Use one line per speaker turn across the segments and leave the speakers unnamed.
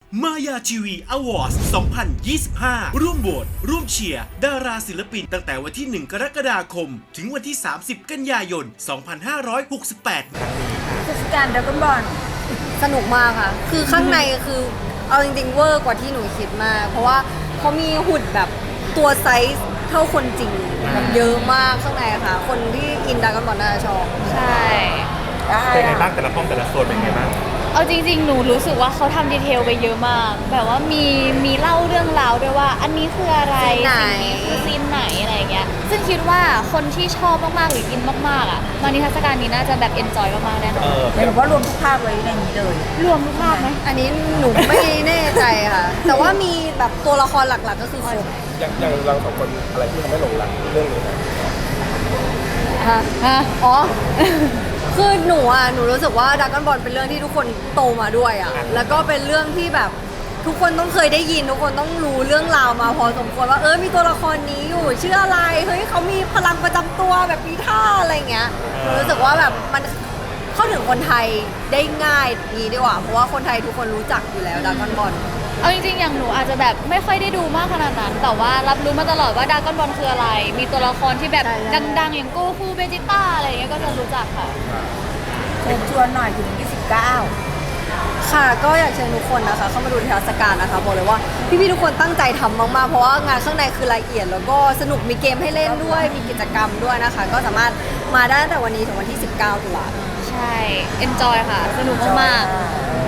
มายาทีวีอวอร์ด2025 ร่วมโหวตร่วมเชียร์ดาราศิลปินตั้งแต่วันที่ 1 กรกฎาคม ถึงวันที่ 30 กันยายน 2568
เทศกาลดราก้อนบอล
สนุกมากค่ะ คือข้างในคือเอาจริงๆเวอร์กว่าที่หนูคิดมาก เพราะว่าเขามีหุ่นแบบตัวไซส์เท่าคนจริงแบบเยอะมากข้างในค่ะ คนที่อินดราก้อนบอลน่าจะชอบ
ใช่
ได้
เป็นไง
อะ
บ้างแต่ละห้องแต่ละโซนเป็นไงบ้าง
เอาจริงๆ หนูรู้สึกว่าเขาทำดีเทลไปเยอะมาก แบบว่ามีเล่าเรื่องราวด้วยว่า อันนี้คืออะไร
ซีนไหน
สิ่งนี้คือซีนไหนอะไรอย่างเงี้ย ซึ่งคิดว่าคนที่ชอบมากๆหรืออินมากๆอ่ะมานิทรรศการนี้น่าจะแบบเอนจอยมากๆแน่นอน
หมายถึงว่ารวมทุกภาคไว้ในนี้เลย
รวมทุกภาคไหม
อันนี้หนูไม่แน่ใจค่ะ แต่ว่ามีแบบตัวละครหลักๆก็คือครบ
อย่างเราสองคนอะไรที่ทำให้หลงรักเรื่องนี้นะ
ฮะอ๋อ คือหนูรู้สึกว่าดราก้อนบอลเป็นเรื่องที่ทุกคนโตมาด้วยอ่ะ แล้วก็เป็นเรื่องที่แบบทุกคนต้องเคยได้ยินทุกคนต้องรู้เรื่องราวมาพอสมควรว่ามีตัวละครนี้อยู่ชื่ออะไรเฮ้ยเขามีพลังประจำตัวแบบมีท่าอะไรเงี้ยหนูรู้สึกว่าแบบมันเข้าถึงคนไทยได้ง่ายนี้ดีกว่าเพราะว่าคนไทยทุกคนรู้จักอยู่แล้วดราก้อนบอล
เอาจริงๆ อย่างหนูอาจจะแบบไม่ค่อยได้ดูมากขนาดนั้น แต่ว่ารับรู้มาตลอดว่าดราก้อนบอลคืออะไร มีตัวละครที่แบบ
ใช่ๆ
ดังๆ อย่างโกคูเบจิต้าอะไรอย่างเงี้ยก็จะรู้จักค่ะ
เชิญชวนหน่อยถึง 29
ค่ะก็อยากเชิญทุกคนนะคะเข้ามาดูนิทรรศการนะคะบอกเลยว่าพี่ๆทุกคนตั้งใจทำมากๆเพราะว่างานข้างในคือละเอียดแล้วก็สนุกมีเกมให้เล่นด้วยมีกิจกรรมด้วยนะคะ ก็สามารถมาได้ตั้งแต่วันนี้ถึงวันที่ 19 ตุลาคม
ใช่ เอนจอยค่ะ สนุกมากๆ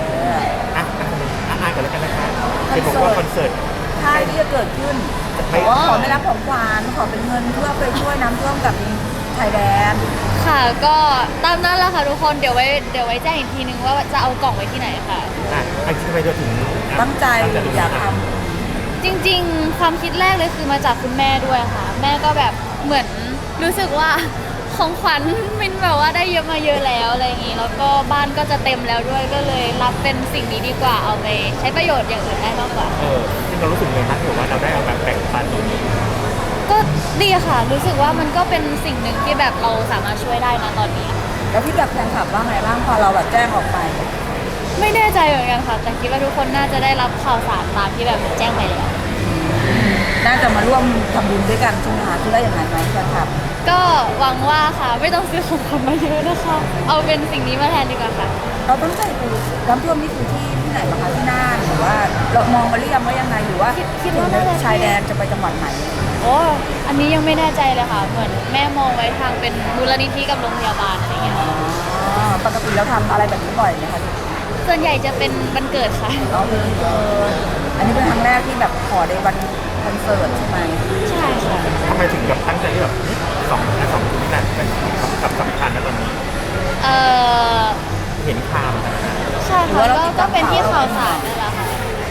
อ่านกันแล้วกันนะคะเห็นบอกว่าคอนเสิร์ต
ค่ายที่จะเกิดขึ้น
ไม่
ขอไม่รับของขวัญขอเป็นเงินเพื่อไปช่วยน้ำท่วมกับไทยแลนด์
ค่ะก็ตามนั้นแหละค่ะทุกคนเดี๋ยวไว้แจ้งอีกทีนึงว่าจะเอากล่องไว้ที่ไหนค่ะ
อันที่ทำไมเราถึง
ตั้งใจอยากท
จริงๆ ความคิดแรกเลยคือมาจากคุณแม่ด้วยค่ะ แม่ก็แบบเหมือนรู้สึกว่าของขวัญมินแบบว่าได้เยอะมาเยอะแล้วอะไรอย่างนี้แล้วก็บ้านก็จะเต็มแล้วด้วยก็เลยรับเป็นสิ่งนี้ดีกว่าเอาไปใช้ประโยชน์อย่างอื่นได้มากกว่า
ที่เรารู้สึกไงบ้างที่บอกว่าเราได้เอาแบบแบ่งปันตรงนี้
ก็ดีค่ะ รู้สึกว่ามันก็เป็นสิ่งหนึ่งที่แบบเราสามารถช่วยได้นะตอนนี้
ำแล้วพี่กับแฟนคลับว่าไงบ้างพอเราแบบแจ้งออกไป
ไม่แน่ใจเหมือนกันค่ะ แต่คิดว่าทุกคนน่าจะได้รับข่าวสารตามที่แบบแจ้งไปแล้ว
น่าจะมาร่วมทำบุญด้วยกันใช่ไหมคะที่ได้อย่างไรไหมแฟนคลับ
ก็หวังว่าค่ะไม่ต้องซื้อของขวัญมาเยอะนะคะ เอาเป็นสิ่งนี้มาแทนดีกว่าค่ะ
เราต้องใจดูน้ำท่วมนี่คือที่ไหนบ้างคะที่น่านหรือว่าเรามองมาหรือยังว่ายังไงหรือว่า
คิดว่าน่าจะ
ชายแดนจะไปจังหวัดไหน
โอ้อันนี้ยังไม่แน่ใจเลยค่ะ เหมือนแม่มองไว้ทางเป็นมูลนิธิกับโรงพยาบาลอะไรเงี้ย
ปกติเราทำอะไรแบบนี้บ่อยไหมคะ
ส่วนใหญ่จะเป็นวันเกิดค่ะ
อันนี้เป็นครั้งแรกที่แบบขอในวันคอนเสิร์ตใช่ไหม
ใช่ค่ะ
ทำไมถึงแบบตั้งใจที่แบบสองคนนี้แหละเป็นกับสำคัญนะตอนนี้
เออ
เห็นข่าว
ใช่ค่ะก็เป็นที่ข่าวสารนั่นแหละค่ะ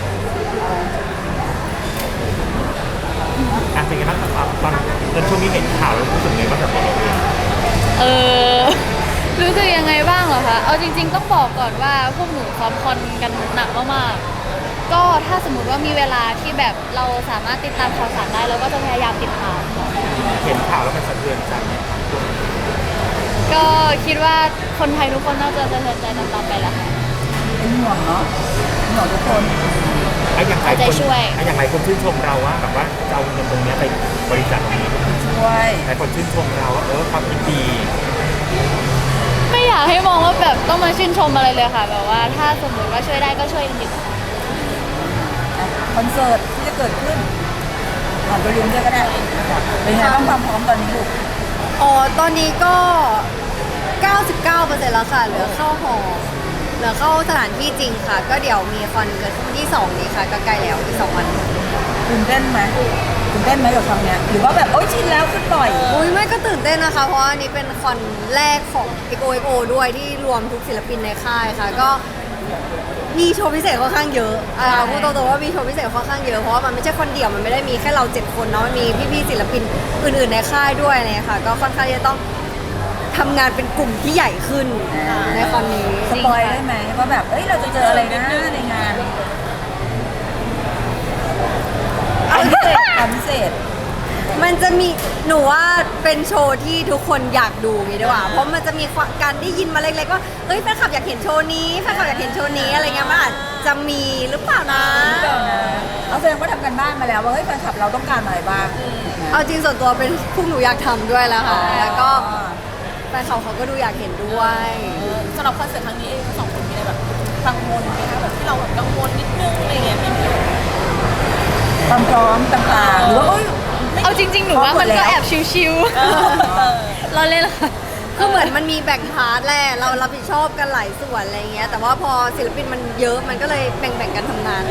เป็นไงบ้างครับตอนช่วงนี้เห็นข่าวแล้วรู้สึกไงบ้างกับเราเอง
เออ รู้สึกยังไงบ้างเหรอคะ เอาจริง ๆ ต้องบอกก่อนว่าพวกหนูซ้อมคอนกันหนักมากๆ ก็ถ้าสมมติว่ามีเวลาที่แบบเราสามารถติดตามข่าวสารได้เราก็จะพยายามติดตาม
เห็นข่าวแล้วมันสะเทือนใจไหม
ก็คิดว่าคนไทยทุกคนน่าจะสะเทือนใจตามๆไปแหละค่ะ
เป็นห่วงเนาะเป็นห่วงทุกคน
อย่างไร
เอาใจช่วย
อย่างไรคนชื่นชมเราว่าแบบว่าจะเอาเงินตรงนี้ไปบริจาคตรงนี้
ช่วย
หลายคนชื่นชมเราว่าความคิดดี
ไม่อยากให้มองว่าแบบต้องมาชื่นชมอะไรเลยค่ะ แบบว่าถ้าสมมติว่าช่วยได้ก็ช่วยจริงๆ
คอนเสิร์ตที่จะเกิดขึ้นผ่านตัวลุ้นด้วยก็ได้เป็นไงบ้างความพร้อมตอนนี้ลูก
อ๋อตอนนี้ก็ 99%แล้วค่ะเหลือเข้าหอเหลือเข้าสถานที่จริงค่ะ ก็เดี๋ยวมีคอนเกิดขึ้นวันที่ 2 นี้ค่ะก็ใกล้แล้วอีก2 วัน
ตื่นเต้นไหมตื่นเต้นไหมกับครั้งเนี้ยหรือว่าแบบโอ๊ยชินแล้วขึ้นบ่อย
อุ้ยไม่ก็ตื่นเต้นนะคะ เพราะว่าอันนี้เป็นคอนแรกของ XOXO ด้วยที่รวมทุกศิลปินในค่ายค่ะ ก็มีโชว์พิเศษค่อนข้างเยอะพูดตรงๆว่ามีโชว์พิเศษค่อนข้างเยอะเพราะว่ามันไม่ใช่คนเดียวมันไม่ได้มีแค่เรา7 คนเนาะมันมีพี่ๆศิลปินอื่นๆในค่ายด้วยอะไรเลยค่ะ ก็ค่อนข้างจะต้องทำงานเป็นกลุ่มที่ใหญ่ขึ้นในคอนนี้
สปอยได้ไหมว่าแบบเอ้ยเราจะเจออะไรนะในงานความพิเศษ
ไม่มันจะมีหนูว่าเป็นโชว์ที่ทุกคนอยากดูงี้ดีกว่าเพราะมันจะมีการได้ยินมาเล็กๆว่าเฮ้ยแฟนคลับอยากเห็นโชว์นี้แฟนคลับอยากเห็นโชว์นี้อะไรเงี้ยมันอาจจะมีหรือเปล่านะ
เอาแสดงว่าทำกันบ้านมาแล้วว่าเฮ้ยแฟนคลับเราต้องการอะไรบ้าง
เอาจริงส่วนตัวเป็นพวกหนูอยากทำด้วยแล้วค่ะแล้วก็แฟนคลับเขาก็ดูอยากเห็นด้วย
สำหรับคอนเสิร์ตครั้งนี้เองสองคนมีอะไรแบบกังวลไหมคะแบบที่เราแบบกังวลนิดนึงอะไรเงี้ยมีไหม
ความพร้อมต่างๆหรือว่าเอ้ย
เอาจริงๆ หนูว่ามันก็แอบชิวๆเราเล่นละค่ะ
คือเหมือนมันมีแบ่งพาร์ทแหละเรารับผิดชอบกันหลายส่วนอะไรเงี้ยแต่ว่าพอศิลปินมันเยอะมันก็เลยแบ่งๆกันทำงาน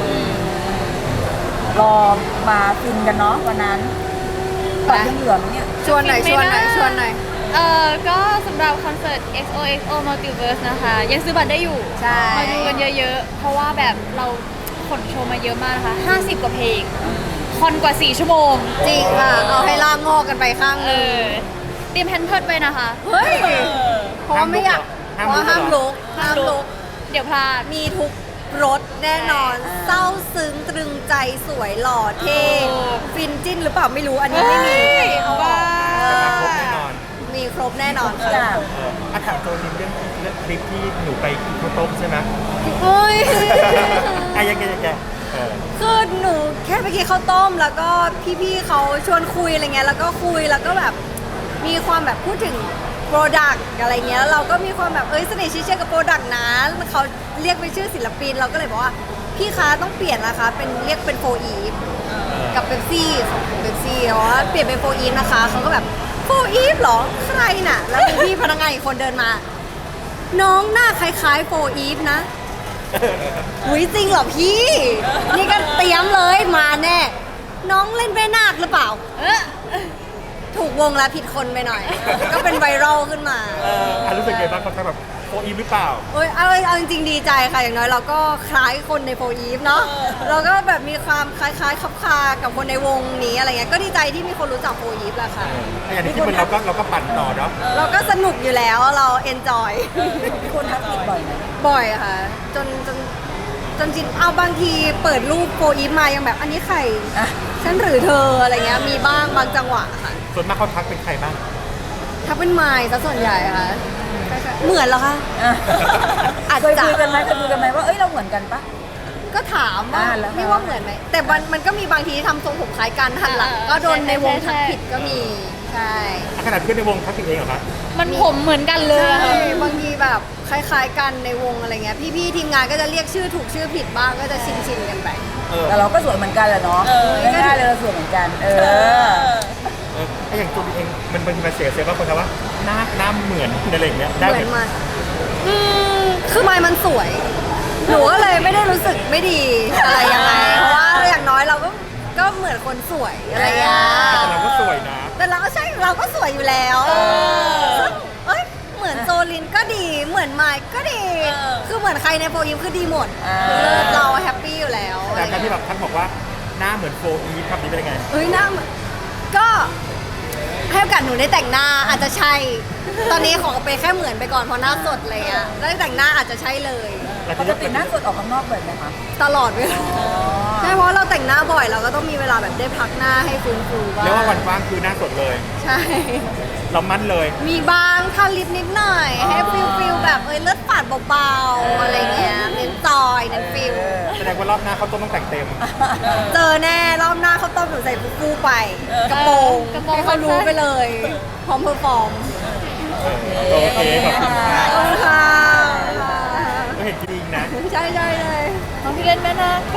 รอมาฟินกันเนาะวันนั้นบัตรยังเหลือไหมเนี่ย
ชวนหน่อยชวนหน่อยชวนหน่อย
ก็สำหรับคอนเสิร์ต XOXO Multiverse นะคะ ยังซื้อบัตรได้อยู่
ใช่
มาดูกันเยอะๆ เพราะว่าแบบเราขนโชว์มาเยอะมากนะคะ 50 กว่าเพลง คอนกว่า 4 ชั่วโมง
จริงค่ะเอาให้ล่างงอกกันไปข้างห
เอ
นึง
อ เตรียมแพนเพิร์ดไว้นะคะ
เฮ้ยเพราะว่าไม่อยากเพราะว่าห้ามลุก
ห้ามลุก เดี๋ยวพลาด
มีทุกรสแน่นอน เศร้าซึ้งตรึงใจสวยหล่อเท่
โอ้
ฟินจิ้นหรือเปล่าไม่รู้อันนี้ไม่มี
ว้า
แต่มาครบแน่นอน
มีครบแน่นอน
จ้า
ถามโจลินเรื่องคลิปที่หนูไปกินข้าวต้มใช่ไหม
เฮ้ย
ยัง
คือหนูแค่ไปกินข้าวต้มแล้วก็พี่ๆเขาชวนคุยอะไรเงี้ยแล้วก็คุยแล้วก็แบบมีความแบบพูดถึงโปรดักต์อะไรเงี้ยเราก็มีความแบบเสน่ห์ชี้เชื่อกับโปรดักต์นะเขาเรียกเป็นชื่อศิลปินเราก็เลยบอกว่าพี่คะต้องเปลี่ยนนะคะเป็นเรียกเป็นโฟอีฟกับเบปซี่ของเบปซี่ว่าเปลี่ยนเป็นโฟอีฟนะคะเขาก็แบบโฟอีฟเหรอใครน่ะแล้วมีพี่พนักงานอีกคนเดินมา น้องหน้าคล้ายๆโฟอีฟนะ อุ้ยจริงเหรอพี่ นี่ก็เตรียมเลยมาแน่ น้องเล่นแม่นาคหรือเปล่า ถูกวงแล้วผิดคนไปหน่อย ก็เป็นไวรัลขึ้นมา
รู้สึกไงบ้างเขาแบบโฟอีฟหรือเปล่า
เอ้ยเอาจริงๆดีใจค่ะอย่างน้อยเราก็คล้ายคนในโฟอีฟเนาะเราก็แบบมีความคล้ายๆคับคากับคนในวงนี้อะไรเงี้ยก็ดีใจที่มีคนรู้จักโฟอีฟแหละค่ะ
อย่างที่มันเราก็ปั่นต่อเนาะ
เราก็สนุกอยู่แล้วเราเอนจอย
มีคนทักผิดบ่อยไหม
บ่อยค่ะ จนจริงเอาบางทีเปิดรูปโฟอีฟมายังแบบอันนี้ใคร
อ่ะ
ฉันหรือเธออะไรเงี้ยมีบ้างบางจังหวะค่ะ
ส่วนมากเขาทักเป็นใครบ้าง
ถ้าเป็นไมล์ซะส่วนใหญ่ค่ะเหมือนเหรอคะ
อ่ะ
อาจ
เคย
จะ
คุยกันไหมว่าเอ้ยเราเหมือนกันปะ
ก็ถามว่า
แล้ว
ไม่ว่าเหมือนไหมแต่มันก็มีบางทีที่ทำทรงผมคล้ายกันหันหลังก็โดนในวงทักผิดก็มีใช่
ขนาดเพื่อนในวงทักผิดเองเหรอคะ
มันผมเหมือนกันเลย
ใช่
อะค่ะ
บางทีแบบคล้ายๆกันในวงอะไรเงี้ยพี่ๆทีมงานก็จะเรียกชื่อถูกชื่อผิดบ้างก็จะชินกันไป
แต่เราก็สวยเหมือนกันแหละเนาะไม่ได้เลยเราสวยเหมือนกัน
ไอ้อย่างตัวเองมันบางทีมันเสียว่าคนทำว่าหน้าเหมือนอะไรอย่างเงี้ยได้
เห
ไห
มื
ม
อนมันคือไมล์มันสวย หนูก็เลยไม่ได้รู้สึกไม่ดีอะไรยังไง เพราะว่าอย่างน้อยเราก็เหมือนคนสวยอะไรอย่างเงี้ย
แต่เราก็สวยนะ
แต่เราก็ใช่เราก็สวยอยู่แล้วซึ่งเอ้ยเหมือนโซลินก็ดี เหมือนไมล์ก็ดี คือเหมือนใครในโฟยิมคือดีหมดคือเราแฮปปี้อยู่แล้ว
แต่การที่แบบท่านบอกว่าหน้าเหมือนโฟอีฟคำนี้เป็นยังไง
เฮ้ยหน้าเหมือนก็ให้โอกาสหนูได้แต่งหน้าอาจจะใช่ ตอนนี้ขอไปแค่เหมือนไปก่อนเพราะหน้าสดอะไรเงี้ยได้แต่งหน้าอาจจะใช่เลย
ปกติหน้าสดออกข้างนอกบ่อยไหมคะ
ตลอดเวลาใช่เพราะเราแต่งหน้าบ่อยเราก็ต้องมีเวลาแบบได้พักหน้าให้ฟื้นฟูบ้าง
เรียกว่าวันว่างคือหน้าสดเลย
ใช่
เรามั่นเลย
มีบางทาลิปนิดหน่อย ให้ฟิลแบบเลือดฝาดเบาๆอะไรเงี้ยเน้นจอยเน้นฟิล
แสดงว่ารอบหน้าเขาต้องแต่งเต็ม
เจอแน่รอบหน้าเขาวต้มหนูใส่ฟูๆไป กระโปรงให้เขารู้ไปเลย พร้อมเพอร์ฟอร์ม
โอเคขอบคุณค่ะ
ขอบคุณค่ะ
ก็เห็นจริงนะ
ใช่เลย
น้องที่เล่นแม่นาคก็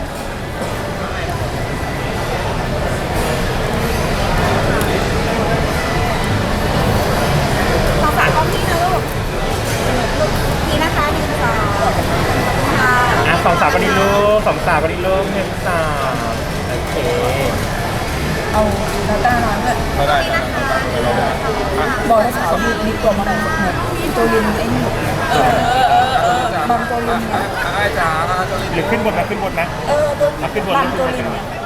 ขอฝากกล้องพี่นะลูกนี่นะคะ1 2
สองสาวก็ดีลูกสองสาวก็ดีลูก1 3โอเค
เอาดาต้าน้อยเลยบอกให้สาวมีตัวมาหน่อยเหมือนตัวลินไอ้นี่บางตัวลินเนี่ย
หรือขึ้นบนนะ
ตัว
ขึ้นบน
บางตัวลิน
ขึ้นบน